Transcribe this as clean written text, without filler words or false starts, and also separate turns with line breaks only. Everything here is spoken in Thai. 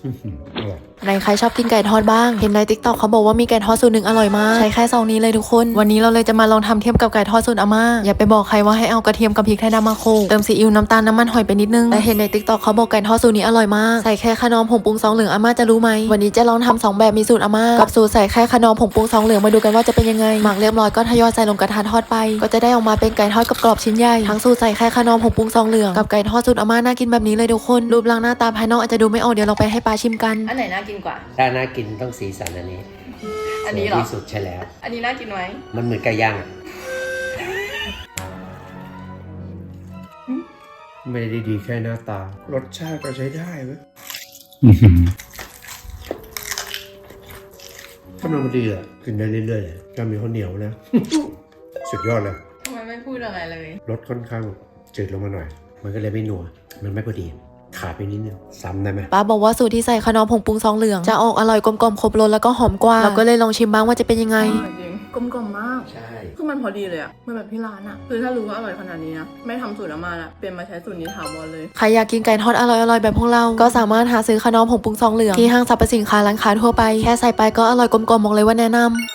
ในใครชอบกินไก่ทอดบ้างเห็นใน TikTok เขาบอกว่ามีไก่ทอดสูตรหนึ่งอร่อยมากใช้แค่ซองนี้เลยทุกคนวันนี้เราเลยจะมาลองทำเทียมกับไก่ทอดสูตรอาม่าอย่าไปบอกใครว่าให้เอากระเทียมกับพริกไทยดำมาโขลกเติมซีอิ๊วน้ำตาลน้ำมันหอยไปนิดนึงแต่เห็นใน TikTok เขาบอกไก่ทอดสูตรนี้อร่อยมากใส่แค่ขนมผงปรุงซองเหลืองอาม่าจะรู้ไหมวันนี้จะลองทำ2แบบมีสูตรอาม่ากับสูตรใส่แค่ขนมผงปรุงซองเหลืองมาดูกันว่าจะเป็นยังไงหมักเรียบร้อยก็ทยอยใส่ลงกระทะทอดไปก็จะได้ออกมาเป็นไก่ทอดกรอบๆชิ้นใหญ่ทั้งสูตรใส่แค่ขนมผงปรุงซองเหลืองกับไก่ทอดสูตรอาม่าน่ากินแบบนี้เลยทุกคนรูปร่างหน้าตาภายนอกอาจจะดูไม่ออกเดี๋ยวเราไปให้ปาชิมกัน
อันไหนน่ากินกว่า
ถ้าน่ากินต้องสีสันอันนี้
อันนี้เหรอ
ที่สุดใช่แล้ว
อันนี้น่ากินไหม
มันเหมือนไก่ย่างไม่ได้ดีแค่หน้าตารสชาติก็ใช้ได้เว้ยกำลังดีอ่ะกินได้เรื่อยๆเลยจะมีข้าวเหนียวนะ สุดยอดเลย
ทำไมไม่พูดอะไรเลย
รสค่อนข้างจืดลงมาหน่อยมันก็เลยไม่นัวมันไม่พอดีขาดไปนิดนึงซ้ำได้ไหม
ป้าบอกว่าสูตรที่ใส่ขนมผงปรุงซองเหลืองจะออกอร่อยกลมๆครบรสแล้วก็หอมกว่าเราก็เลยลองชิมบ้างว่าจะเป็นยังไง
จริงกลมๆมาก
ใช่
คือมันพอดีเลยอะมันแบบที่ร้านอะคือถ้ารู้ว่าอร่อยขนาดนี้นะไม่ทำสูตรอาม่าละเปลี่ยนมาใช้สูตรนี้ถาวรเลย
ใครอยากกินไก่ทอดอร่อยๆแบบพวกเราก็สามารถหาซื้อขนมผงปรุงซองเหลืองที่ห้างสรรพสินค้าร้านค้าทั่วไปแค่ใส่ไปก็อร่อยกลมๆบอกเลยว่าแนะนำ